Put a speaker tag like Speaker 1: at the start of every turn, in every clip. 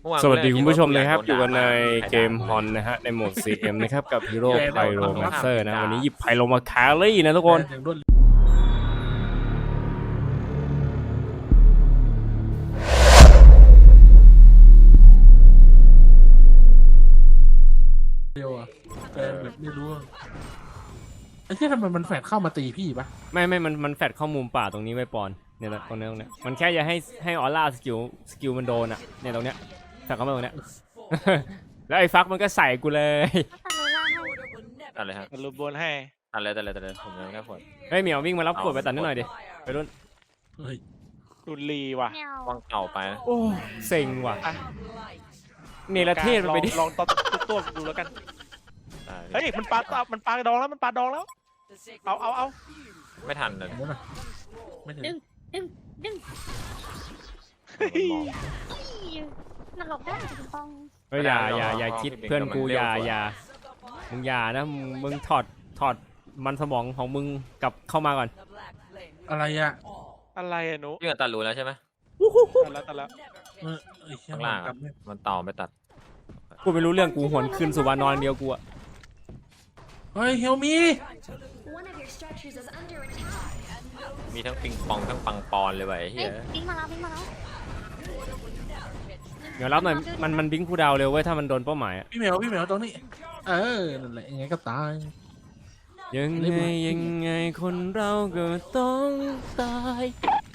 Speaker 1: สวัสดีคุณผู้ชมนะครับอยู่กันในเกมฮอนนะฮะในโหมด CM นะครับกับฮีโร่ไพโรแมนเซอร์นะวันนี้หยิบไพโรมาแครี่นะทุกคน
Speaker 2: เดียวอะแต่แบบไม่รู้ไอ้ที่ทำไมมันแฝดเข้ามาตีพี่ปะ
Speaker 1: ไม่มันแฟดเข้ามุมป่าตรงนี้ไว้ปอนเนี่ยตรงนี้มันแค่จะให้ออร่าสกิลมันโดนอ่ะเนี่ยตรงเนี้ยแฟดเข้ามาตรงเนี้ย แล้วไอ้ฟักมันก็ใส่กูเลย
Speaker 3: ตัดเลยครับ
Speaker 4: รูปบนให้
Speaker 3: ตัดเลยผมยังแค่ผล
Speaker 1: เฮ้ยเหมียววิ่งมารับขวดไปตัดนิดหน่อยดิไปรุ่น
Speaker 2: เฮ้ย
Speaker 4: รุนลีว่ะ
Speaker 3: วางเก่าไปนะ
Speaker 1: โอ้เซ็งว่ะเนรเทศมันไปดิ
Speaker 4: ลองตัวดูแล้วกันเฮ้ยมันปลาดองแล้วมันปลาดองแล้วเอา
Speaker 3: ไม่ทันเลย
Speaker 2: เดี๋ยวนะไม่ถึง
Speaker 5: ดึง นรกได้จริงปอง
Speaker 1: เฮ้ยอย่าคิดเพื่อนกูอย่ามึงอย่านะมึงถอดมันสมองของมึงกลับเข้ามาก่อน
Speaker 2: อะไรอะ
Speaker 4: อะไรอะหนู
Speaker 3: พี่ตัดรูแล้วใช่ไหม
Speaker 4: ตัดแล้ว
Speaker 3: ข้างล่างมันต่อไม่ตัด
Speaker 1: กูไม่รู้เรื่องกูหวนคืนสู่วานอนเดียวกูอะ
Speaker 2: เฮ้ยเฮลมี
Speaker 3: มีทั้งปิงปองทั้งปังปอนเลยว่ะไอ้เหี้ย
Speaker 5: วิ่งมาแล้ว
Speaker 1: เดี๋ยวรับหน่อยมันบิงคูดาวเร็วเว้ยถ้ามันโดนเป้าหมายอะ
Speaker 2: พี่เหมียวตรงนี้นั่นแหละยังไงก็ตาย
Speaker 1: ยังไงคนเราก็ต้องตาย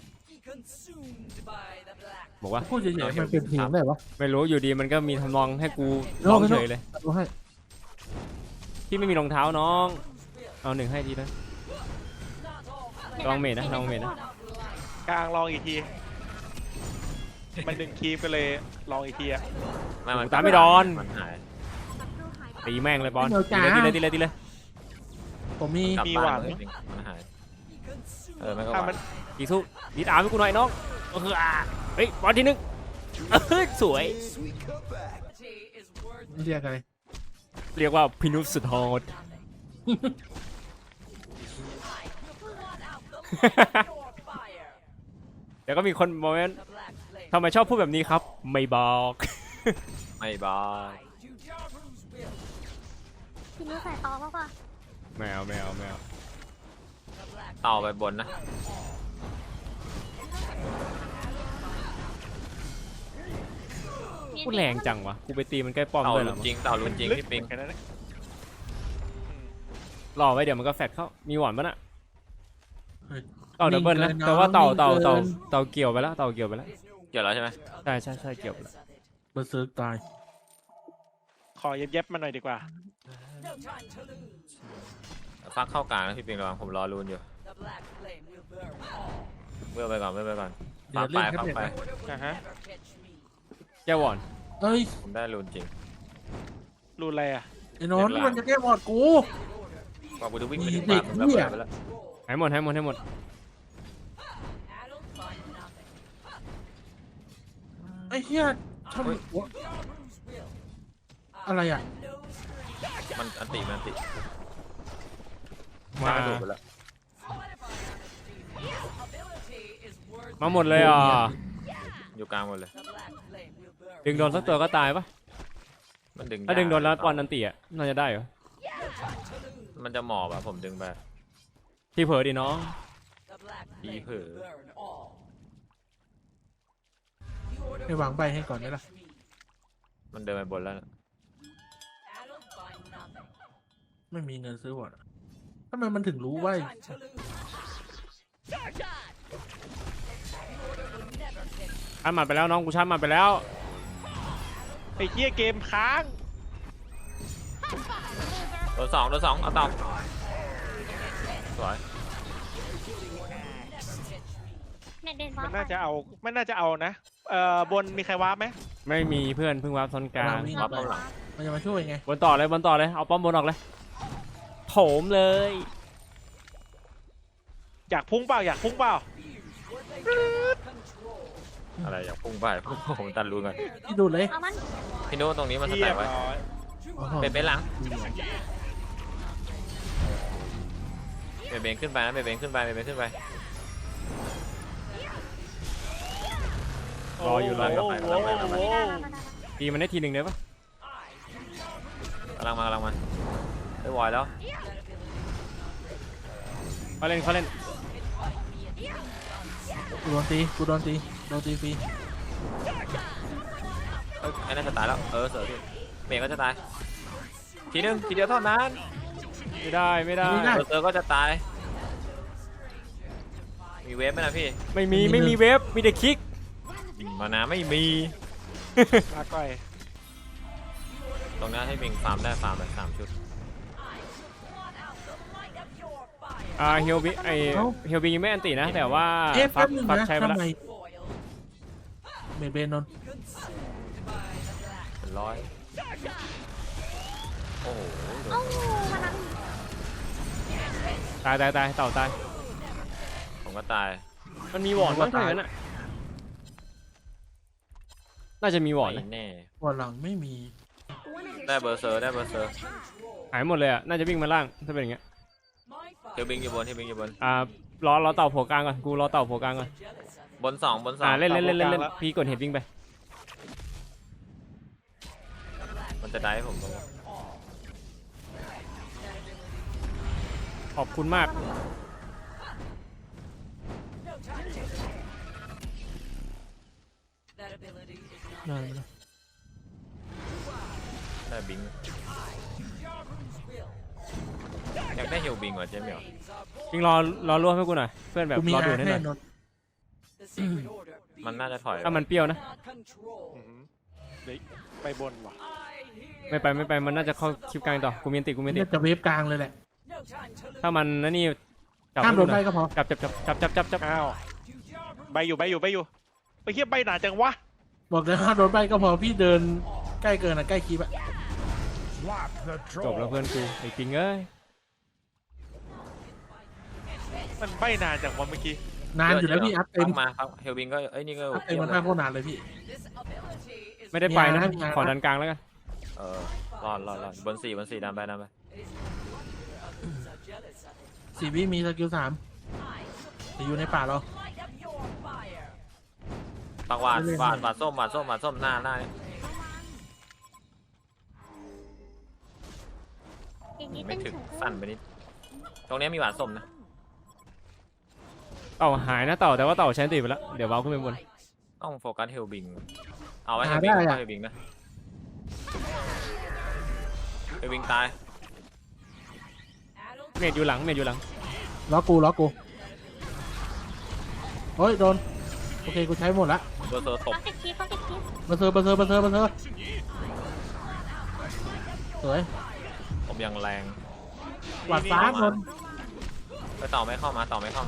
Speaker 1: บอกว่า
Speaker 2: พูดเฉยๆมันเป็นเพลงได้ปะ
Speaker 1: ไม่รู้อยู่ดีมันก็มีทำนองให้กูร้องเฉยเลย
Speaker 2: ดูให้
Speaker 1: พี่ไม่มีรองเท้าน้องเอาหนึ่งให้ทีนะลองเมดนะ
Speaker 4: กลางลองอีกทีมันดึงคีบไปเลยลองอีกทีอะ
Speaker 3: มัน
Speaker 1: ตามไม่โดน
Speaker 3: มันหาย
Speaker 1: ตีแม่งเลยบอลตีเลย
Speaker 2: ผมมี
Speaker 3: กลับบ้านจริงๆมันหายไม่ก็หวาน
Speaker 1: ตีสู้ตีตามให้กูหน่อยน้องก็คือเฮ้ยบอลทีนึงสวย
Speaker 2: เรียกอะไร
Speaker 1: เรียกว่าพินุษสุดโหด เดี๋ยวก็มีคนบอกว่าทำไมชอบพูดแบบนี้ครับไม่บอก
Speaker 3: ไม่บาย
Speaker 5: พี่รู้ใส่ตอป่ะ
Speaker 1: แมว
Speaker 3: ต่อไปบนนะ
Speaker 1: พูดแรงจังวะกูไปตีมันใกล้ป้อม
Speaker 3: เต่า
Speaker 1: ด้วยเหร
Speaker 3: ลุ
Speaker 1: อน
Speaker 3: จริงเต่าลุนจริงพี่ปิง
Speaker 4: แค่นั้น
Speaker 1: รอไว้เดี๋ยวมันก็แฟดเข้ามีหวานปะน่ะเต่าดับเบิลนะแต่ว่าเต่าเกี่ยวไปแล้วเกี่ยวแล้ว
Speaker 3: ใช่ไหม
Speaker 1: ใช่เกี่ยวไปแล้ว
Speaker 2: เบอร์เซิร์กตาย
Speaker 4: ขอเย็บมาหน่อยดีกว่า
Speaker 3: ฟักเข้ากลางนะพี่ปิงระวังผมรอรูนอยู่เมื่อไปก่อนฟักไป
Speaker 4: ฮะ
Speaker 1: แก้วอน
Speaker 2: เฮ้ย
Speaker 3: ผมได้รูนจริง
Speaker 4: รูนอะไรอะ
Speaker 2: ไอ้นนท์มันจะแก้บอดกู
Speaker 3: ว่ากูจะวิ่งไปถึงบ้านผมแล้วไปแล้ว
Speaker 1: ให้หมด
Speaker 2: ไอ้เหี้ยทำอะไรอะ
Speaker 3: มันอันติ
Speaker 1: มาหมดเลยอ่ะ
Speaker 3: อยู่กลางหมดเลย
Speaker 1: ดึงโดนสักตัวก็ตายปะ
Speaker 3: มันดึง
Speaker 1: ถ้าดึงโดนแล้วปอนนันตีอ่ะน่าจะได้เหรอ
Speaker 3: มันจะหมอบอะผมดึงไป
Speaker 1: ที่เผลอดิน้อง
Speaker 3: อีเผลอ
Speaker 2: ให้วางใบให้ก่อนได้ละ
Speaker 3: มันเดินไปบนแล้ว
Speaker 2: ไม่มีเงินซื้อบอดทำไมมันถึงรู้ว่า
Speaker 1: ชาร์จมันไปแล้วน้องกูชาร์จมันไปแล้ว
Speaker 4: ไอ้เหี้ยเกมค้าง
Speaker 3: โดนสองเอาต่อสวย
Speaker 5: เน็ตเด่น
Speaker 4: มันน่าจะเอานะบนมีใครวาร์ปไหม
Speaker 1: ไม่มีเพื่อนเพิ่งวาร์ปโซนกลาง
Speaker 3: วับหลัง
Speaker 2: มันจะมาช่วยไง
Speaker 1: บนต่อเลยเอาป้อมบนออกเลยโถมเลย
Speaker 4: อยากพุ่งเปล่า
Speaker 3: อะไรอยากพุ่งไปผมตัดรูนก่อน
Speaker 2: ที่ดูเลย
Speaker 5: เอามัน
Speaker 3: พี่โน้ตรงนี้มันสแต็กไว้เป็นหลังเบนขึ้นไปนะเบนขึ้นไป
Speaker 1: รออยู่รอ
Speaker 4: โอ้โห
Speaker 5: ไ
Speaker 1: ตีมันได้ทีหนึ่งได้ปะ
Speaker 3: กำลังมาได้วอยแล้ว
Speaker 1: เขาเล่นเขาเล่น
Speaker 2: กูโดนตีฟรี
Speaker 3: เอ้ยไอ้นั่นจะตายแล้วเสือพี่เมย์ก็จะตายทีนึงทีเดียวเท่านั้น
Speaker 1: ไม่ได้
Speaker 3: เสือก็จะตายมีเวฟไหมนะพี่
Speaker 1: ไม่มีเวฟมีแต่คิก
Speaker 3: มานาไม่มี
Speaker 4: ลาก้อย
Speaker 3: ตรงนี้ให้บิงฟาร์มได้ฟาร์มเลย3 ชุด
Speaker 1: เฮลบิเฮลบิยังไม่อันตินะ แต่ว่า
Speaker 2: แป๊บนึง
Speaker 1: ฟัก
Speaker 2: นะ
Speaker 1: ใช้ไป
Speaker 2: ทำ
Speaker 1: แล้ว
Speaker 2: ไมเมดเบนนนท์
Speaker 3: เป็นร้อยโอ้โหโด
Speaker 5: เอ้าน วันนั้น
Speaker 1: ตายเต่าตาย
Speaker 3: ผมก็ตาย
Speaker 1: มันมีวอร์ดมั้งถ้าอย่างนั้นอ่ะน่าจะมีวอร์ด
Speaker 3: ไม่
Speaker 1: นะ
Speaker 3: แน่
Speaker 2: วันหลังไม่มี
Speaker 3: ได้เบอร์เซอร์
Speaker 1: หายหมดเลยอ่ะน่าจะวิ่งมาล่างถ้าเป็นอย่างเงี้ย
Speaker 3: เฮลบิงอยู่บน
Speaker 1: รอเต่าโผล่กลางก่อนกูรอเต่าโผล่กลางก่อน
Speaker 3: บน2
Speaker 1: เล่นพี่กดเห็ดวิ่งไป
Speaker 3: มันจะได้ผมลง
Speaker 1: ขอบคุณมาก
Speaker 2: ได้ไหมล่ะ
Speaker 3: ได้บิงอยากได้เฮลบิงเหรอเจ๊เหมียว
Speaker 1: วิ่งรอรวบให้กูหน่อยเพื่อนแบบ
Speaker 2: กูมี
Speaker 1: รอดู
Speaker 2: อา
Speaker 1: ให้ห
Speaker 2: แน่
Speaker 1: น่อย
Speaker 2: นนท์
Speaker 3: มันน่าจะถอย
Speaker 1: ถ้ามันเปรี้ยวนะ
Speaker 4: อื้อหือเดี๋ยวไปบนว่ะ
Speaker 1: ไม่ไปมันน่าจะเข้าคลิปกลางต่อกูมีอันติ
Speaker 2: น่าจะเวฟกลางเลยแหละ
Speaker 1: ถ้ามันนั่นนี่จับ
Speaker 2: ข้ามโดนได้ก็พอ
Speaker 1: จับ
Speaker 4: อ้าวใบอยู่ไปเทียบใบหนาจังวะ
Speaker 2: บอกเลยห้ามโดนไปก็พอพี่เดินใกล้เกินอ่ะใกล้คลิปอ่ะ
Speaker 1: จบแล้วเพื่อนกูไอ้จริงเอ้ย
Speaker 4: มันใบนานจังวะเมื่อกี้
Speaker 2: นานอยู่แล้วพี่อัพเต็ม
Speaker 3: มาครับเฮลบิงก็เอ้ยนี่ก็
Speaker 2: อัพเต็มมันมากโคตรนานเลยพี่
Speaker 1: ไม่ได้ไปนะ
Speaker 2: มีงาน
Speaker 1: ขอดันกลางแล้วกัน
Speaker 3: รอดบน4ดันไป
Speaker 2: 4 วิมีสกิล 3แต่อยู่ในป่าเรา
Speaker 3: ปักหวาดส้มหน้าเนี่ย
Speaker 5: อย่างนี้
Speaker 3: ไม่
Speaker 5: เป็น
Speaker 3: ถึง
Speaker 5: เฉย
Speaker 3: สั้นไปนิดตรงนี้มีหวาดส้มนะ
Speaker 1: เต่าหายนะเต่าแต่ว่าเต่าใช้อันติไปแล้วเดี๋ยวว้าวขึ้นไปบน
Speaker 3: ต้องโฟกัสเฮลบิงเอาไว้เฮ
Speaker 2: หา
Speaker 3: ลบิง
Speaker 2: ได้อะ
Speaker 3: เฮลบิงนะเฮลบิงตาย
Speaker 1: เมดอยู่หลัง
Speaker 2: ล็อกกูเฮ้ยโดนโอเคกูใช้หมดละ
Speaker 3: เบอร์เซอร์ตบ
Speaker 5: ต้องติดคลิป
Speaker 2: มาเซอร์สวย
Speaker 3: ผมยังแรง
Speaker 2: หวาดฟ้าโดน
Speaker 3: ไปต่อไม่เข้ามา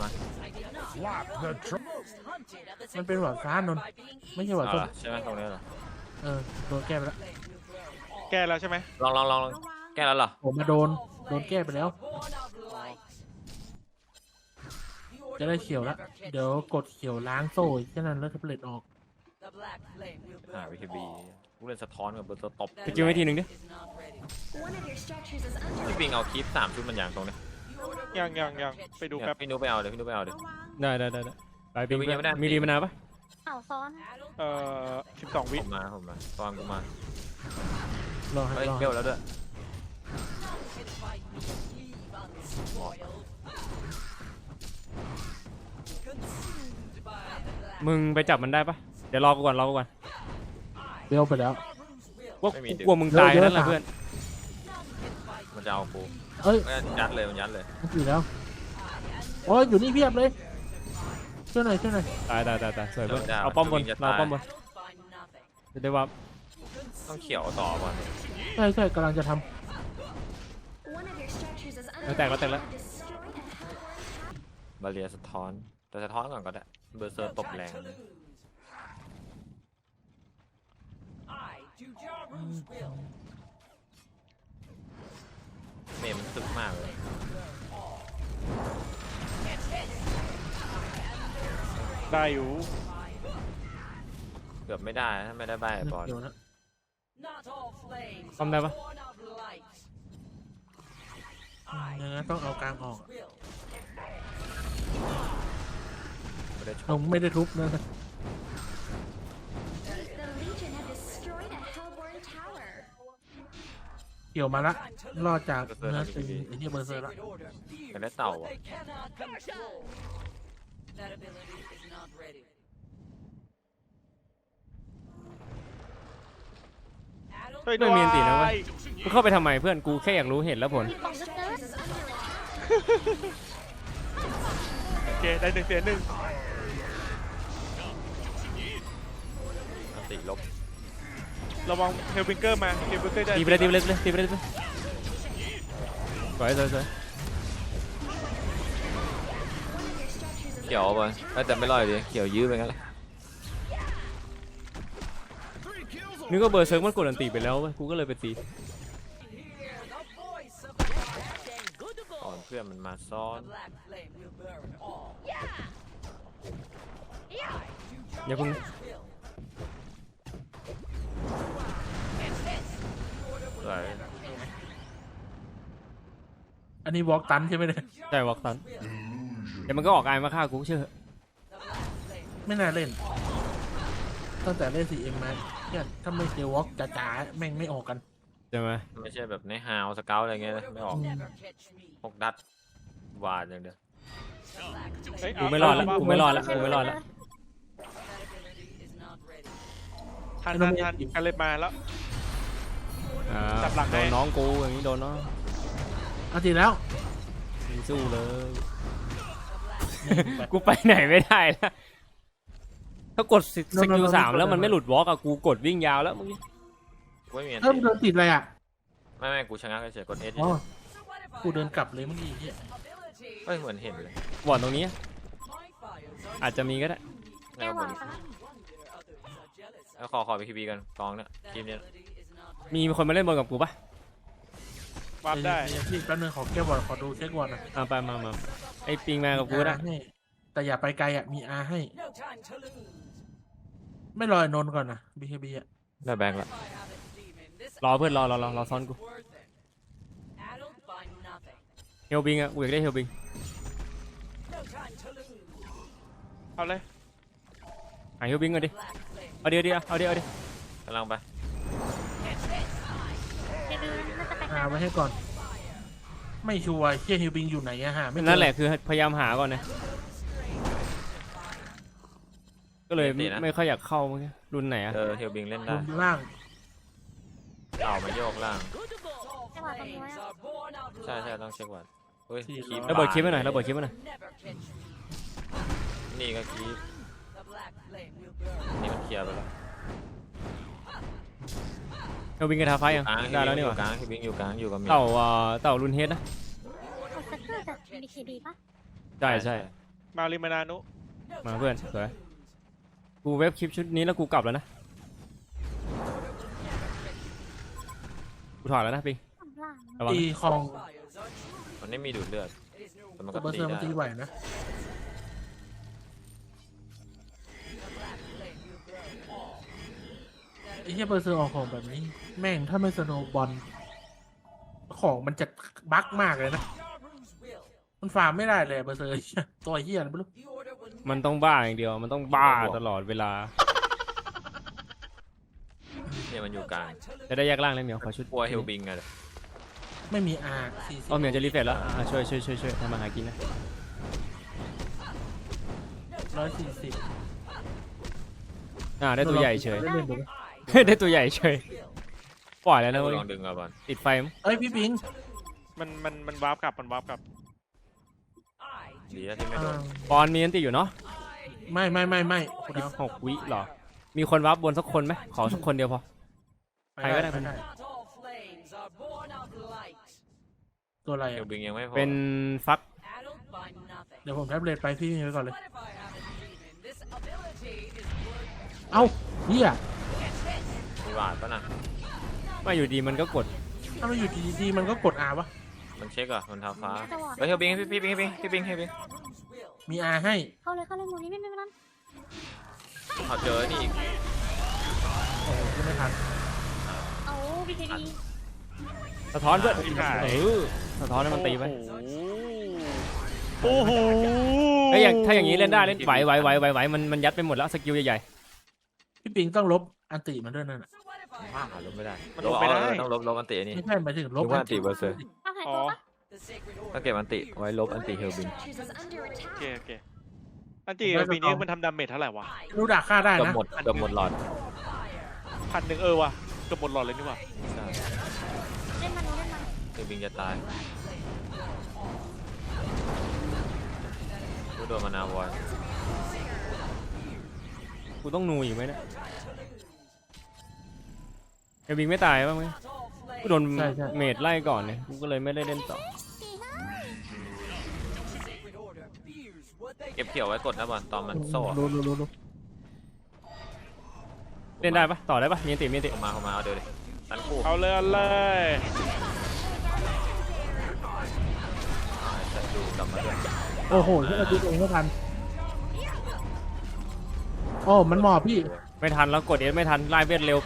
Speaker 2: มันเป็นหวาดฟ้านนท์ไม่ใช่หวาด
Speaker 3: เอา
Speaker 2: ส้ม
Speaker 3: ละใช่ไหมตรงนี้เหรอ
Speaker 2: โดนแก้ไปแล้ว
Speaker 4: แก้แล้วใช่ไหม
Speaker 3: ลองแก้แล้วเหรอ
Speaker 2: ผมมาโดนแก้ไปแล้ว จะได้เขียวแล้วเดี๋ยวกดเขียวล้างโซ่แค่นั้นแล้วแท็บเล็ตออก
Speaker 3: วิทีบีผู้เล่นสะท้อนกับเบอร์เซอร์ตบ
Speaker 1: สกิลให้ทีหนึ่งดิ
Speaker 3: พี่บิงเอาคลิป3 ชุดมันอย่างตรงนี้
Speaker 4: ยังไปดูแป๊บ
Speaker 3: พี่นุ๊กไปเอาเดี๋ยว
Speaker 1: ได้ไปปิง
Speaker 3: ยังไม่ได้
Speaker 1: มีรีมานาปะ
Speaker 5: เต่าซ้อน
Speaker 4: 12 วิ
Speaker 3: ผมมาตอนกูมาร
Speaker 2: อให้
Speaker 3: เฮ้ย
Speaker 2: รอ
Speaker 3: เบลแล้วด้วย
Speaker 1: มึงไปจับมันได้ปะเดี๋ยวรอกูก่อน
Speaker 2: เบลไปแล้ว
Speaker 1: ว่ากูกลัวมึงตาย
Speaker 2: เดี๋ยว
Speaker 1: นั่นแหละเพื่อน
Speaker 3: มันจะเอากู
Speaker 2: เอ้ย
Speaker 3: มันยัดเลย
Speaker 2: มันอยู่แล้วโอ้ยอยู่นี่เพียบเลยช่วยหน่อย
Speaker 1: ตายสวยเพื่อนเอาป้อมบนเราป้อมบนจะได้ว่า
Speaker 3: ต้องเขียวต่อก่อน
Speaker 2: ใช่กำลังจะท
Speaker 1: แตกแล้ว
Speaker 3: บาเรียสะท้อน แต่สะท้อนก่อนก็ได้เบอร์เซอร์ตบแรงเมย์มันตึกมากเลย
Speaker 4: ได้อยู่
Speaker 3: เกือบไม่ได้ถ้าไม่ได้ใบ
Speaker 2: ำ
Speaker 3: บอล
Speaker 2: เดี๋ยวนะ
Speaker 1: ป้อมได้ปะ
Speaker 2: อย่างนั้นต้องเอากลางออก
Speaker 3: ไม่ได้ช
Speaker 2: ล
Speaker 3: ก
Speaker 2: งไม่ได้ทุบนะ
Speaker 6: The Legion have destroyed a
Speaker 2: เกี่ยวมาละรอดจากเนื้อตีไอ้เหี้ยเบอร์เซอร์ละ
Speaker 3: เป็นได้เต่าอ่ะ
Speaker 4: ช่วยด้วย
Speaker 1: ไม่มีอันตินะเว้ย กูเข้าไปทำไมเพื่อนกูแค่อยากรู้เหตุและผล
Speaker 5: มีของเยอะ
Speaker 4: โอเคได้1 เสีย 1
Speaker 3: อันติลบ
Speaker 4: ระวังเฮลวิงเกอร์มาเฮลวิงเกอร์จะ
Speaker 1: ตีไปเลยตีไปเลยตีไปเลยตีไปเลยสวยสวยสวย
Speaker 3: เขียวบอลแต่ไม่รอดอยู่ดีเขียวยื้อไปงั้นแหละ
Speaker 1: นึกว่าเบอร์เซิร์กมันกดอันตีไปแล้วเว้ยกูก็เลยไปตี
Speaker 3: ก่อนเพื่อนมันมาซ้อน
Speaker 1: อย่าเพิ่ง
Speaker 3: สวย
Speaker 2: อันนี้วอล์กตันใช่ไหมเนี่ย
Speaker 1: ใจวอกตันเดี๋ยวมันก็ออกไอมาฆ่ากูเชื่อ
Speaker 2: ไม่น่าเล่นตั้งแต่เล่น 4M มาเนี่ยถ้าไม่เจอวอล์กจ๋าๆแม่งไม่ออกกัน
Speaker 1: ใช่ไหม
Speaker 3: ไม่ใช่แบบในฮาวสเกลอะไรเงี้ยนะไม่ออกพกดัดหวานอย่างเดียว
Speaker 4: เฮ้ย
Speaker 1: กูไม่รอดละกูไม่รอดละกูไม่รอดละ
Speaker 4: ทันกันเลยมาแล้ว
Speaker 1: อ่า
Speaker 4: จับหลัง
Speaker 1: โด
Speaker 4: ให้
Speaker 1: นน้องกูอย่างนี้โดนน้อง
Speaker 2: เอาจริงแล้ว
Speaker 1: มึงสู้เลย กูไปไหนไม่ได้ละถ้ากดสกิล3แล้วมันไม่หลุดวอล์กอะกูกดวิ่งยาวแล้วเมื่อกี้
Speaker 3: กูไม่มีอัน
Speaker 2: เริ่ม
Speaker 3: ติ
Speaker 2: เดินติดอะไรอ่ะ
Speaker 3: ไม่กูชะงักเฉยๆกดเอส
Speaker 2: อ๋อกูเดินกลับเลยเมื่อกี้เหี้ย
Speaker 3: เฮ้ยเหมือนเห็นเลย
Speaker 1: บอร์ดตรงนี้อาจจะมีก็ได้
Speaker 5: แก้ววางซะ
Speaker 3: แล้วขอไปคีบีกันกองเนี่ยทีมเนี้ย
Speaker 1: มีคนมาเล่นบอลกับกูปะ
Speaker 4: วาร์ปได้
Speaker 2: เยวพี่แป๊บนึงขอแก้บอลขอดูเช็คบอลนะ
Speaker 1: อ่าไปมาไอปิงมากับกูก็ได้
Speaker 2: ให้แต่อย่าไปไกลอ่ะมีอาให้ ไม่รอไอ้นนท์ก่อนนะ BKB อ่ะ
Speaker 3: ได้แบงค์ละ
Speaker 1: รอเพื่อนรอซ้อนกูเฮลบิงอะกูอยากได้เฮลบิง
Speaker 4: เอาเลย
Speaker 1: หาเฮลบิงก่อนดิเอาเดี๋ยวเอาเดี๋ยว
Speaker 3: กำลังไป
Speaker 5: จะดูน่าจะไป
Speaker 2: หาไว้ให้ก่อน ไม่ชัวร์เชี่ยฮิวบิงอยู่ไหนอะหาไม่เจอ
Speaker 1: นั่นแหละคือพยายามหาก่อนนะก็เลยไม่ค่อยอยากเข้าเมื่อกี้รุ่นไหนอะ
Speaker 3: เฮลบิงเล่น
Speaker 2: บ
Speaker 3: ได้
Speaker 2: นล่าง
Speaker 3: เต่ามาโยกล่าง
Speaker 5: จังหวะตรงนี้ไว้อะ
Speaker 3: ใช่ต้องเช็ควันเฮ้ยคีบ
Speaker 1: ระเบิดคลิปไว้หน่อยระเบิดคลิปไว้หน่อย
Speaker 3: นี่ก็คีบนี่มันเคลียร์ไปแล้ว
Speaker 1: เฮลบิงกระทาไฟยัง
Speaker 3: กลาง
Speaker 1: ได้แล้วนี่หว่าก
Speaker 3: ลางฮิบิงอยู่กลางอยู่กับเมีย
Speaker 1: เต่ารุ่นเฮดนะ
Speaker 5: กดสเกอร์จาก BKB ปะ
Speaker 1: ใช่
Speaker 4: มาริมานานุ
Speaker 1: มาเพื่อนสวยกูเว็บคลิปชุดนี้แล้วกูกลับแล้วนะกูถอดแล้วนะปิง
Speaker 5: ข้างล่าง
Speaker 1: ระวัง
Speaker 2: ตี
Speaker 1: นะ
Speaker 2: คลอง
Speaker 3: มันไม่มีดูดเลือดแต่มัน
Speaker 2: แต่
Speaker 3: ก็
Speaker 2: เบอร์
Speaker 3: ตี
Speaker 2: เซอร์มัน
Speaker 3: ได้
Speaker 2: ตีไหวนะไอ้เหี้ยเบอร์เซอร์ออกของแบบนี้ แม่งถ้าไม่สโนว์บอลของมันจะบั๊กมากเลยนะ มันฟาร์มไม่ได้เลยเบอร์เซอร์ ตัวเหี้ยอะไรไม่รู้
Speaker 1: มันต้องบ้าอย่างเดียวมันต้องบ้าตลอดเวลา
Speaker 3: เนี่ยมันอยู่กลาง
Speaker 1: จะได้แยกร่างเลยเหมียวขอชุด
Speaker 3: กลัวเฮลบิงอะ
Speaker 2: ไม่มีอาร์40
Speaker 1: อ๋อเหมียวจะรีเฟรชแล้วช่วยทำมาหากินนะ
Speaker 2: 140
Speaker 1: ได้ตัวใหญ่เฉย
Speaker 2: เล่นๆดูดิ
Speaker 1: ได้ตัวใหญ่เฉยปล่อยแล้วนะเว้ย
Speaker 3: ลองดึงเอาบอล
Speaker 1: ติดไฟมั้ง
Speaker 2: เอ้ยพี่ปิง
Speaker 4: มันวาร์ปกลับมันวาร์ปกลับ
Speaker 3: ดีนะที่ไม่โดน
Speaker 1: ปอนมีอันติอยู่เนาะ
Speaker 2: ไม่คุณเอา
Speaker 1: 6 วิเหรอมีคนวับบนสักคนไหมขอสักคนเดียวพอ ใครก็ได้
Speaker 2: ปตัวอะไร
Speaker 3: เฮ
Speaker 2: อ่ะ
Speaker 3: ลบิงยังไม่พอ
Speaker 1: เป็นฟัก
Speaker 2: เดี๋ยวผมแท็บเล็ตไปพี่มีไว้ก่อนเลย เอ้าเฮีย
Speaker 3: มีหวาดปะน่ะ
Speaker 1: มาอยู่ดีมันก็กด
Speaker 2: ถ้ามันอยู่ดีๆมันก็กด R วะ
Speaker 3: มันเช็คอะมันเท้าฟ้าเฮ้ยเฮลบิงพี่บิง
Speaker 2: มี R ให้
Speaker 5: เข้าเลยหมุนนี้ไม่เป็นไร
Speaker 3: เขาเจอนี่อีก
Speaker 2: โอ้โหยังไม่ทัน
Speaker 5: เอา BKB
Speaker 1: สะท้อนเพื่อน
Speaker 4: ที่หาย
Speaker 1: สะท้อนให้มันตีไป
Speaker 4: โอ้โห
Speaker 1: เฮ้ยถ้าอย่างนี้เล่นได้เล่นไหวมันยัดไปหมดแล้วสกิลใหญ่
Speaker 2: พี่ปิงต้องลบอันติมันด้วยนั่นน่ะ
Speaker 3: มากลบไม่ได้
Speaker 4: มันลบไม่ได้
Speaker 3: ต้องลบอันตินี่
Speaker 2: ไม่ใช่หมายถึงล
Speaker 3: ล
Speaker 2: บบ
Speaker 3: อันติเบอร์เซอร์
Speaker 5: เอาหาย
Speaker 4: อ๋อ
Speaker 5: ตัวปะ
Speaker 3: ถ้าเก็บอันติไว้ลบอันติเฮลบิน
Speaker 4: โอเคโอเคอันจีปีนี้มันทำดาเมจเท่าไหร่วะ
Speaker 2: รู้ด่าฆ่าได้
Speaker 3: เกือบ
Speaker 2: นะ
Speaker 3: หมดเกือบหมดหลอด
Speaker 4: 1,000ว่ะเกือบหมดหลอดเลยนี่ว่ะ
Speaker 3: ใช่
Speaker 5: เล่นมันเล่นมัน
Speaker 3: เฮลบินจะตายกูโดนมานาวอย
Speaker 1: กูต้องนูอยู่ไหมเนี่ยเอวิงไม่ตายบ้างไหมกูโดนเมดไล่ก่อนเนี่ยกูก็เลยไม่ได้เล่นต่อ
Speaker 3: เก็บเขียวไว้กดนะบอลตอนมันโซ่
Speaker 2: รู้
Speaker 1: เล่นได้ปะต่อได้ปะมีอันติมีอันติ
Speaker 3: เข้ามาเอาเดี๋ยวดิตันคู่
Speaker 4: เอาเลยเอาเลย
Speaker 3: จะดูกลับมาด้วย
Speaker 2: โอ้โหที่เราดูเองไม่ทันโอ้มันหมอบพี่
Speaker 1: ไม่ทันแล้วกดเอสไม่ทันไล่เวทเร็วไป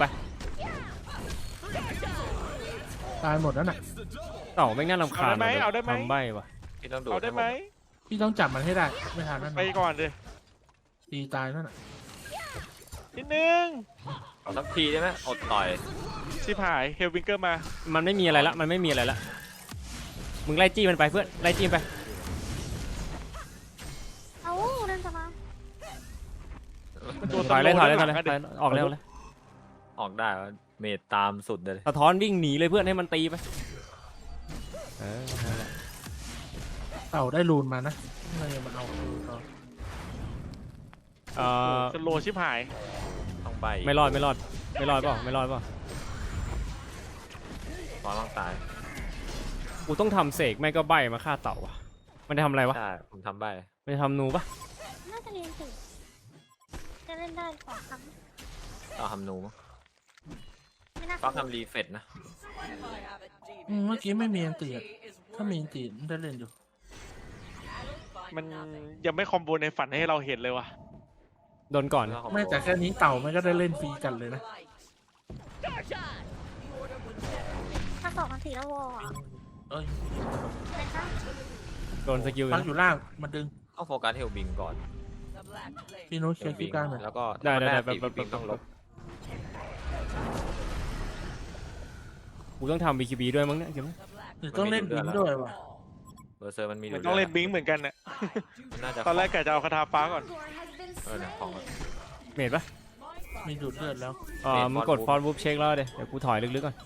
Speaker 2: ตายหมดแล้วน่ะ
Speaker 1: เต่าไม่งน่ารำคาญ
Speaker 4: เอาได้ไหม
Speaker 1: ทำใบวะ
Speaker 3: พี่ต้องดู
Speaker 4: เอาได้ไหม
Speaker 2: พี่ต้องจับมันให้ได้ ไม่ทันนั่น
Speaker 4: ไปก่อนเลย
Speaker 2: ตีตายนั่นน่ะ
Speaker 4: นิดนึง
Speaker 3: เอาสักทีได้ไหมอดต่อย
Speaker 4: ชิบหายเฮลวิงเกอร์มา
Speaker 1: มันไม่มีอะไรละมันไม่มีอะไรละมึงไล่จี้มันไปเพื่อนไล่จี้มันไป
Speaker 5: เอาเล่นสมา
Speaker 1: ถอยเลยออกเร็วเลย
Speaker 3: ออกได้ว่าเมดตามสุดเลย
Speaker 1: สะท้อนวิ่งหนีเลยเพื่อนให้มันตีไปนั่นแหละ
Speaker 2: เต่าได้รูนมานะเลยมันเอารูนต่อ
Speaker 4: สโลชิบหาย
Speaker 3: ต้องใบ
Speaker 1: ไม่รอดเปล่า
Speaker 3: ฟอนต้องตาย
Speaker 1: กูต้องทำเสกไม่ก็ใบมาฆ่าเต่าว่ะมันจะทำอะไรวะ
Speaker 3: ใช่ผมทำใบ
Speaker 1: มันจะทำนูปะ
Speaker 5: น่าจะเรียนสิจะเล่นได้สองครั้ง
Speaker 3: เอาทำนูมั้ง
Speaker 5: ไม่น่า
Speaker 3: ฟักทำรีเฟตนะ
Speaker 2: เมื่อกี้ไม่มีอันตีอะถ้ามีอันตีมันได้เล่นอยู่
Speaker 4: มันยังไม่คอมโบในฝันให้เราเห็นเลยว่ะ
Speaker 1: โดนก่อน
Speaker 2: ไม่แต่แค่นี้เต่ามันก็ได้เล่นฟรีกันเลยนะ
Speaker 5: ถ้าสองกันสี่แล้ววอลอ่ะ
Speaker 2: เอ้ย
Speaker 5: นะคะ
Speaker 1: โดนสกิล
Speaker 2: ปักอยู่ล่างมันดึง
Speaker 3: ต้องโฟกัสเฮลบิงก่อน
Speaker 2: พี่นุ้ยเช็คที่กลางหน่อย
Speaker 3: แล้วก็
Speaker 1: ได้
Speaker 3: บิงต้องลบ
Speaker 1: กูต้องทำ BKB ด้วยมั้งเนี่ยเดี๋ยว
Speaker 2: หรือต้องเล่นบินด้วยวะ
Speaker 3: เบอร์เซอร์มันมี
Speaker 4: มันต้องเล่นบิงเหมือนกันน่ะ
Speaker 3: มันน่าจะ
Speaker 4: ตอนแรกกะจะเอาคาถาฟ้าก่อน
Speaker 3: เนี่ยของ
Speaker 1: เมดปะ
Speaker 2: มีดูดเลือดแล้ว
Speaker 1: มึงกดฟอนวูฟเช็คแล้วเดี๋ยวกูถอยลึกๆก่อน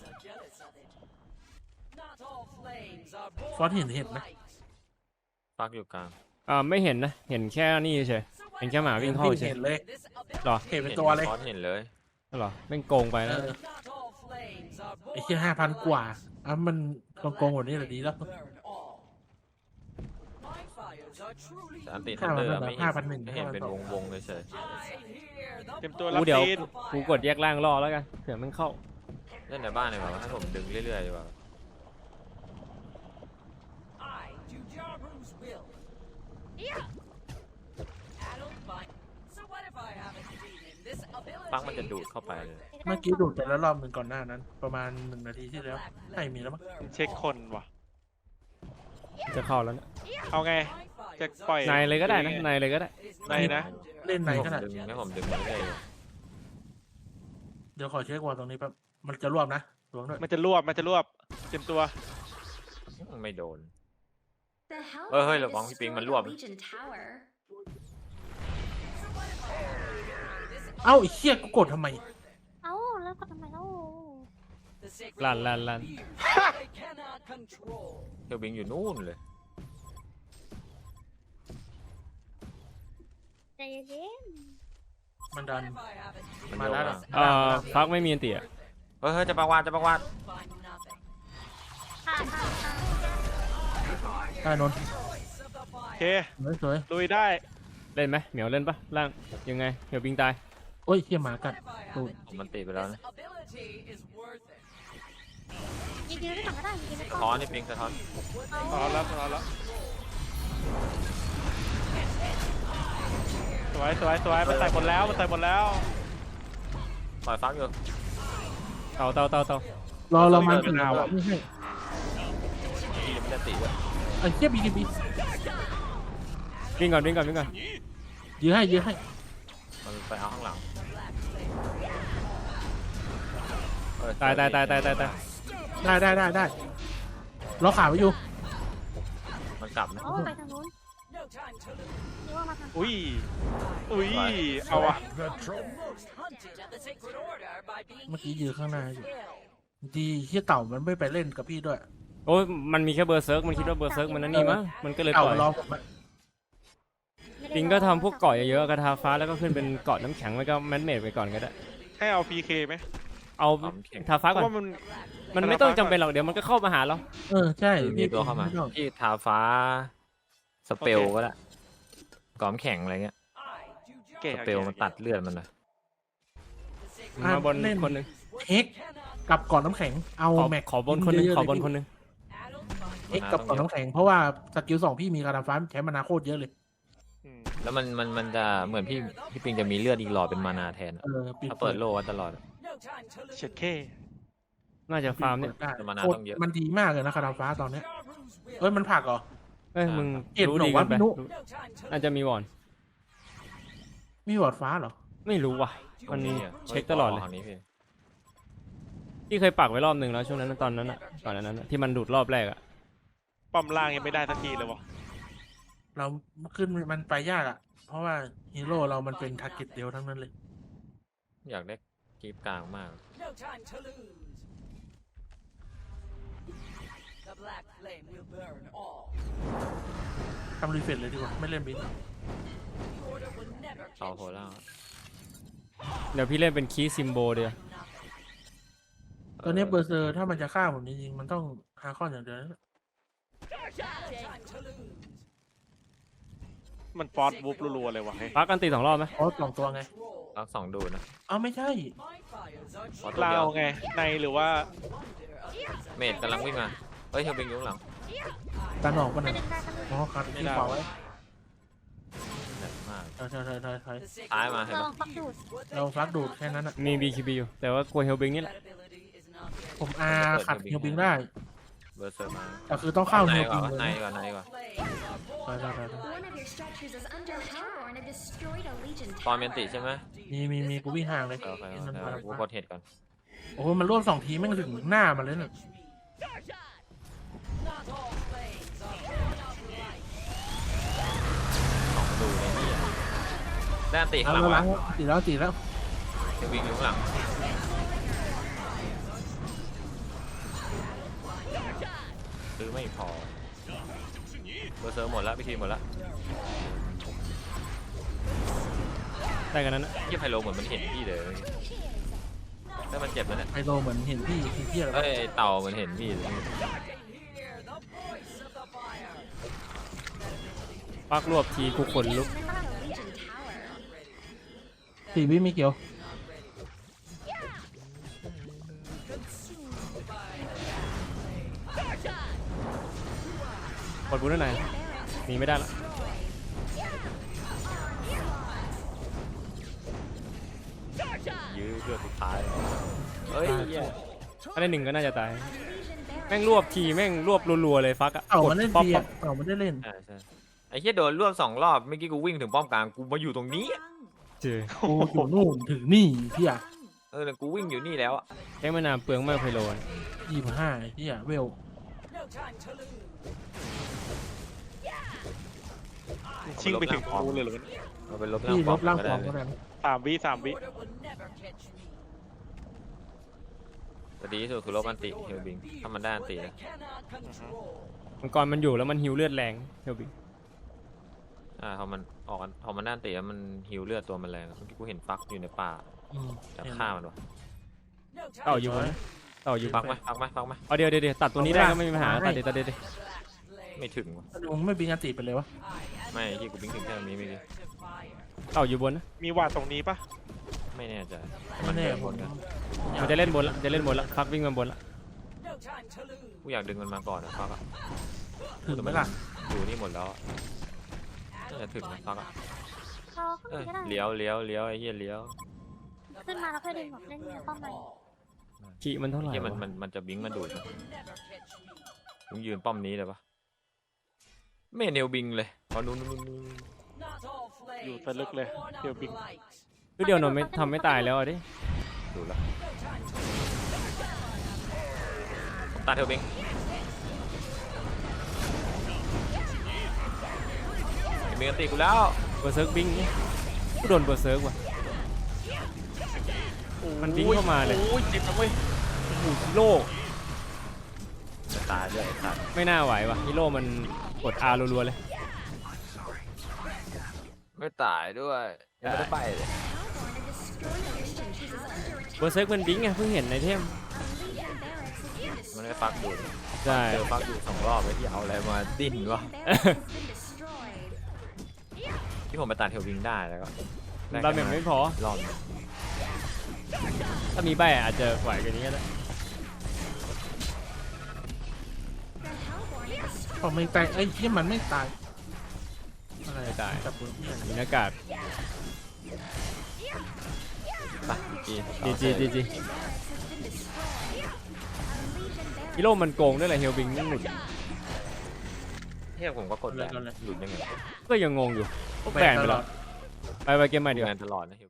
Speaker 2: ฟอสเห็นไหม
Speaker 3: ฟักอยู่กลาง
Speaker 1: ไม่เห็นนะเห็นแค่นี่เฉยเห็นแค่หมาวิ่งเข้าเฉย
Speaker 2: เห็นเลย
Speaker 1: หรอ
Speaker 2: เห็นเป็นตัวเลย
Speaker 3: ฟอนเห็นเลย
Speaker 1: หรอแม่งโกงไป
Speaker 2: เอ
Speaker 1: นะ
Speaker 2: อไอ้แค่5,000 กว่ามันโกงกว่านี้แหละดีแล้ว
Speaker 3: แต่อันติทันเดอร์ไม่เห็น
Speaker 2: 5,100
Speaker 3: ไม่เห็นเป็นวงเลยเฉย
Speaker 4: เตรียมตัวรับ
Speaker 1: กูเดี๋ยว
Speaker 4: ซีน
Speaker 1: กูกดแยกล่างรอแล้วกันเผื่อมันเข้า
Speaker 3: เล่นในบ้านเลยว่าให้ผมดึงเรื่อยๆดีกว่า ฟักมันจะดูดเข้าไปเลย
Speaker 2: เมื่อกี้ดูดไปแล้วรอบหนึ่งก่อนหน้านั้น ประมาณ1 นาทีที่แล้วใช่มีแล้วมั้ง
Speaker 4: เช็คคนว่ะ
Speaker 1: จะเข้าแล้วเนี่ย
Speaker 4: เอาไง จะปล่อย
Speaker 1: ในเลยก็ได้นะในเลยก็ได้
Speaker 4: ในนะ
Speaker 2: เล่นไหน
Speaker 3: ให้
Speaker 2: ขนาด
Speaker 3: ให้ผมดึงเรื่อยๆเลย
Speaker 2: เดี๋ยวขอเช็ควอลตรงนี้แป๊บมันจะรวบนะรวมด้วย
Speaker 4: มันจะรวบ เตรียมตัว
Speaker 3: ไม่โดน
Speaker 6: เฮ้ย
Speaker 3: ระ
Speaker 6: ระ
Speaker 3: วั
Speaker 6: วั
Speaker 3: ง
Speaker 6: ง
Speaker 3: พี่
Speaker 6: พี่
Speaker 3: ปิ
Speaker 6: ปิ
Speaker 3: ง
Speaker 6: ง
Speaker 3: มั
Speaker 6: มัน น
Speaker 3: ร
Speaker 6: ร
Speaker 3: ว
Speaker 6: ว
Speaker 3: บ
Speaker 6: บ
Speaker 2: เอ้าไอ้เหี้ยกูกดทำไม
Speaker 5: เอ้าแล้วก็ทำไมเล่า
Speaker 1: ลั่น
Speaker 3: เฮลบิงอยู่นู่นเลย
Speaker 5: ใจเย็น
Speaker 2: มันดัน
Speaker 3: มัน
Speaker 2: มา
Speaker 3: โย
Speaker 2: แล้ว
Speaker 3: น
Speaker 2: นะ
Speaker 1: ฟักไม่มีอันติอะ
Speaker 3: เฮ้ยจะประวาด
Speaker 5: ค่ะค่ะ
Speaker 2: ได้นนท์
Speaker 4: โอเค
Speaker 2: สวย
Speaker 4: ลุยได้
Speaker 1: เล่นไหมเหมียวเล่นปะล่างยังไงเดี๋ยวปิงตาย
Speaker 2: โอ้ยเหี้ยหมากัดตูด
Speaker 3: ผมมันติดไปแล้วนะ
Speaker 5: ยิงได้ก่อนก็ได้ยิงได้
Speaker 3: สะ
Speaker 5: ก่
Speaker 3: ท้อ
Speaker 5: อน น
Speaker 3: นี่ปิงสะท้อน
Speaker 4: รอแล้วสวยมันใส่หมดแล้ว
Speaker 3: ปล่อยฟักอยู่
Speaker 1: เต่าร
Speaker 2: อมัน
Speaker 4: เป็นดาวอะ
Speaker 2: ไม่ใช่
Speaker 3: ที่ยังไม่ได้ติดด้วย
Speaker 2: ไอ้เหี้ยบี
Speaker 1: วิ่งก่อน
Speaker 2: ยื้อให้
Speaker 3: มันไปเอาข้างหลัง
Speaker 1: ตาย
Speaker 2: ได้ล็อกขาไว้อยู่
Speaker 3: มันกลับนะ
Speaker 5: โอ้ไปทางนู้นนี่ว่ามาทาง
Speaker 4: อุ้ยเอาอะ
Speaker 2: เมื่อกี้ยืนข้างหน้าอยู่ดีที่เต่ามันไม่ไปเล่นกับพี่ด้วย
Speaker 1: โอ้ยมันมีแค่เบอร์เซิร์กมันคิดว่าเบอร์เซิร์กมันนั่นนี่มั้งมันก็เลยป
Speaker 2: เต่า
Speaker 1: ล่อย
Speaker 2: รอผมอะ
Speaker 1: ปิงก็ทำพวกเกาะเยอะๆกระทาฟ้าแล้วก็ขึ้นเป็นเกาะน้ำแข็งแล้วก็แมนเมดไปก่อนก็ได้
Speaker 4: ให้เอา PK ไหม
Speaker 1: เอาทาฟ้า
Speaker 4: เพ
Speaker 1: ก่อน
Speaker 4: ราะว่ามัน
Speaker 1: มันไม่ต้องจำเป็นหรอกเดี๋ยวมันก็เข้ามาหาเรา
Speaker 2: ใช่
Speaker 3: มีตัวเข้ามา
Speaker 2: ไต้อง
Speaker 3: ที่ทาฟ้าสเปลก็ได้กล่อมแข็งอะไรเงี้ย
Speaker 4: เก๋
Speaker 3: สเปลมันตัดเลือดมันเลย
Speaker 1: มาบนคนหนึง
Speaker 2: เอ็กกับก่อนน้ำแข็งเอา
Speaker 1: ขอ
Speaker 2: แม็ก
Speaker 1: ขอบนคนหนึง
Speaker 2: เยะๆ
Speaker 1: ขอบน
Speaker 2: เลย
Speaker 1: คนหนึง
Speaker 2: เอ็กกับก่อนน้ำแข็งเพราะว่าสกิล2พี่มีกระดาษฟ้าใช้มานาโคตรเยอะเลย
Speaker 4: อืม
Speaker 3: แล้วมันจะเหมือนพี่ปิงจะมีเลือดอีกหลอดเป็นมานาแทนอะ
Speaker 2: ปิด
Speaker 3: ถ้าเปิดโลไว้ตลอดอะ
Speaker 4: เช็ดเค
Speaker 1: น่าจะฟาร์มเนี่ย
Speaker 2: ได้
Speaker 3: แต่มานา
Speaker 2: โคตร
Speaker 3: ต้องเยอะ
Speaker 2: มันดีมากเลยนะกระดาษฟ้าตอนเนี้ยมันผลักเหรอ
Speaker 1: เอ้ยมึง
Speaker 2: เอ็ด
Speaker 1: รู้
Speaker 2: หรอ
Speaker 1: ดี
Speaker 2: วะ
Speaker 1: กันไป
Speaker 2: พี่นุ
Speaker 1: น่าจะมีวอน
Speaker 2: มีวอร์ดฟ้าเหรอ
Speaker 1: ไม่รู้ว่ะมัน
Speaker 3: อะ
Speaker 1: เช็คตลอดเลย
Speaker 3: ทางนี้พี่
Speaker 1: ที่เคยปักไว้รอบหนึ่งแล้วช่วงนั้นตอนนั้นอะก่อนนั้นอะที่มันดูดรอบแรกอะ
Speaker 4: ป้อมล่างยังไม่ได้สักทีเลยวะ
Speaker 2: เราขึ้นมันไปยากอ่ะ เพราะว่าฮีโร่เรามันเป็นทาร์เก็ตเดียวทั้งนั้นเลย
Speaker 3: อยากได้กีบกลางมาก
Speaker 2: ทำรีเฟรชเลยดีกว่าไม่เล่นบิน
Speaker 3: เสาโผล่ล่าง
Speaker 1: เดี๋ยวพี่เล่นเป็นคีย์ซิมโบเดียว
Speaker 2: ตอนนี้เบอร์เซอร์ถ้ามันจะฆ่าผมจริงๆมันต้องฮาคอนอย่างเดียวนะ
Speaker 4: มันฟอสวูฟรัวๆเลยวะเฮ้ย
Speaker 1: ปักกันตี2 รอบไหม
Speaker 2: เพราะ2 ตัวไง
Speaker 3: รักสองดูนะ
Speaker 2: เอาไม่ใช่
Speaker 3: ขอตัว
Speaker 4: ลา
Speaker 3: เดียว
Speaker 4: วไงในหรือว่า
Speaker 3: เมดกำลังวิ่งมาเฮ้ยเฮลบิงอยู่ข้างหลัง
Speaker 2: การออกกัน
Speaker 5: ไม่
Speaker 2: นะ
Speaker 5: ได้ได้กันเลย
Speaker 2: อ๋อคัดที่ขวาไว้
Speaker 3: หนักมาก
Speaker 2: ใช่
Speaker 3: ซ้ายมาเห็น
Speaker 5: เรา
Speaker 3: ปะ
Speaker 5: ฟักดูด
Speaker 2: เราฟักดูดแค่นั้นอ่ะ
Speaker 1: มี BKB อยู่แต่ว่ากลัวเฮลบิงนี่แหละ
Speaker 2: ผมขัดเฮลบิงได้
Speaker 3: เบอร์เซอร์มา
Speaker 2: แต่คือต้องเข้า
Speaker 3: ใน
Speaker 2: เฮล
Speaker 3: ก่
Speaker 2: บิ
Speaker 3: อน
Speaker 2: งเลย
Speaker 3: ใน
Speaker 2: นะ
Speaker 3: ก่อนในก่อน
Speaker 6: One of your structures is under power and it destroyed a legion
Speaker 3: ตอน
Speaker 6: tower.
Speaker 3: เมนติใช่ไหม
Speaker 2: มีกูวิ่งห่างเลย
Speaker 3: โอเค
Speaker 2: นั่น
Speaker 3: โอ
Speaker 2: มา
Speaker 3: เคกูกดเห็ดก่อน
Speaker 2: โอ้โหมันรวบ2 ทีแม่งถึงหน้ามันเลยน่ะ
Speaker 3: สองดูในนี่ด้านตีข้าง
Speaker 2: เอา
Speaker 3: หลัง
Speaker 2: แล้ว
Speaker 3: วะ
Speaker 2: ตีแล้ว
Speaker 3: เฮลบิงอยู่ข้างหลังซื้อไม่พอเบอร์เซอร์หมดแล้วพิธีหมดแล้ว
Speaker 1: ได้กันนั้นอะ
Speaker 3: ยี่ไพโลเหมือนมันเห็นพี่เลยถ้ามันเจ็บแล้วเนี่ย
Speaker 2: ไอโลเหมือนเห็นพี่เที่ยอะไร
Speaker 3: เอ้ยไอ้เต่ามันเห็นพี่เลย
Speaker 1: ปักรวบทีกูขนลุก
Speaker 6: Not a legion tower.
Speaker 2: 4 วิไม่เกี่ยว
Speaker 1: กดบูทได้ไหนหนีไม่ได้ละ
Speaker 3: ยื้อเลือดสุดท้ายเอ้ยเหี้ย
Speaker 1: ถ้าได้1ก็น่าจะตาย
Speaker 6: Legion barracks.
Speaker 1: แม่งรวบทีแม่งรวบรัวๆเลยฟักอะ
Speaker 2: เต่ามันเล่น
Speaker 1: ป๊อป
Speaker 2: เบีย
Speaker 1: ป๊อป
Speaker 2: เต่ามันได้เล่น
Speaker 3: ใช่ใช่ไอ้เหี้ยโดนรวบ2 รอบเมื่อกี้กูวิ่งถึงป้อมกลางกูมาอยู่ตรงนี้
Speaker 1: เจอ
Speaker 2: โอ้อยู่นู่นถึงนี่พี่อ่ะ
Speaker 3: แต่กูวิ่งอยู่นี่แล้วอะ
Speaker 1: ใช้มานานเปลืองมากไพโลน
Speaker 2: 25พี่อ่ะเวล
Speaker 4: ชิงไปถึงกูเลยเหรอ
Speaker 3: เราไปลบ
Speaker 2: พี่ลบร่าง
Speaker 3: ก็
Speaker 2: ฟ
Speaker 3: ได้
Speaker 2: อร์ม
Speaker 3: เล
Speaker 2: ก็
Speaker 3: ย
Speaker 2: ได้
Speaker 4: 3 วิ
Speaker 3: แต่ดีที่สุดคือลบอันติเฮลบิงถ้ามันได้อันตินะ
Speaker 1: มังกรมันอยู่แล้วมันฮิวเลือดแรงเฮลบิง
Speaker 3: พอมันออกพอมันได้อันติแล้วมันฮิวเลือดตัวมันแรงเมื่อกี้กูเห็นฟักอยู่ในป่าจะฆ่ามันวะ
Speaker 1: เต่าอยู่บนนะเต่าอยู่
Speaker 3: ฟักไหม
Speaker 1: เอาเดี๋ยวตัดตัวนี้ได้ก็ไม่มีปัญหาตัดเดี๋ยว
Speaker 3: ไม่ถึงวะ
Speaker 2: มึงไม่บิงอันติไปเลยวะ
Speaker 3: ไม่ที่กูบิงถึงแค่ตรงนี้ไม่ดี
Speaker 1: เต่าอยู่บนนะ
Speaker 4: มีวาดตรงนี้ปะ
Speaker 3: ไม่แน่ใจ
Speaker 2: ไม่แน่
Speaker 3: เดิ
Speaker 2: ผ
Speaker 3: บ
Speaker 2: ม
Speaker 3: นกัน
Speaker 1: มันจะเล่นบนละฟักวิ่งมาบนละ
Speaker 3: กูอยากดึงมันมาก่อนนะฟักอะ
Speaker 2: ถึงไหมล่ะ
Speaker 3: อยู่นี่หมดแล้วอะน่าจะถึงนะฟักอะ
Speaker 5: เราขึ้น
Speaker 3: เอ้ย
Speaker 5: ก็ได้
Speaker 3: เลี้ยวไอ้เหี้ยเลี้ยว
Speaker 5: ขึ้นมาแล้วค่อยดึงแบบเล่นป้อมมัน
Speaker 1: ขีมันเท่าไหร่
Speaker 3: เหี้ย
Speaker 1: วะ
Speaker 3: มันจะบิงมาดูดนะมึงยืนป้อมนี้เลยปะไม่เห็นเฮลบิงเลยขอนู่น
Speaker 4: อยู่แต่ลึกเลยเดี๋ยวบิง
Speaker 1: คือเดียวนนท์ไม่ทำไม่ตายแล้วอะดิ
Speaker 3: ดูแล้วตาเทลบิงมีกันตีกูแล้ว
Speaker 1: เบอร์เซิร์กบิงกูโดนเบอร์เซิร์กว่ะ มันวิ่งเข้ามาเลย
Speaker 4: โอ้ยเจ็บนะเว้ย
Speaker 1: โอ้โหฮีโร่
Speaker 3: จะตายด้วยไอ้สัตว์
Speaker 1: ไม่น่าไหวว่ะฮีโร่มันกด R รัวๆเลย
Speaker 3: ไม่ตายด้วยยังไม่ได้ไปเลย
Speaker 1: เบอร์เซิร์กมันบิงไงเพิ่งเห็นในเทม
Speaker 3: มันไม่ฟักอยู่
Speaker 1: ใช่
Speaker 3: เจอฟักอยู่2 รอบเลยที่เอาอะไรมาดิ้นวะที่ผมไปตัดเทลวิงได้แล้วก็
Speaker 1: ดาเมจไม่พอ
Speaker 3: รอบนึง
Speaker 1: ถ้ามีใบอาจจะไหวกว่านี้ก็ได้
Speaker 2: พอไม่ตายไอ้เหี้ยมันไม่ตายอะไร
Speaker 1: ไม่ตาย
Speaker 2: จับปืนเหี้ย
Speaker 1: มีหน้ากาก
Speaker 3: ไปจี
Speaker 1: จีฮีโร่มันโกงด้วยแหละเฮลบิงนี่หลุด
Speaker 3: เทียบผมก็กดแบนหลุดยังไง
Speaker 1: ก็ยังงงอยู่แบนไปแล้วไปเกมใหม่ดีกว่า
Speaker 3: แบนตลอดนะ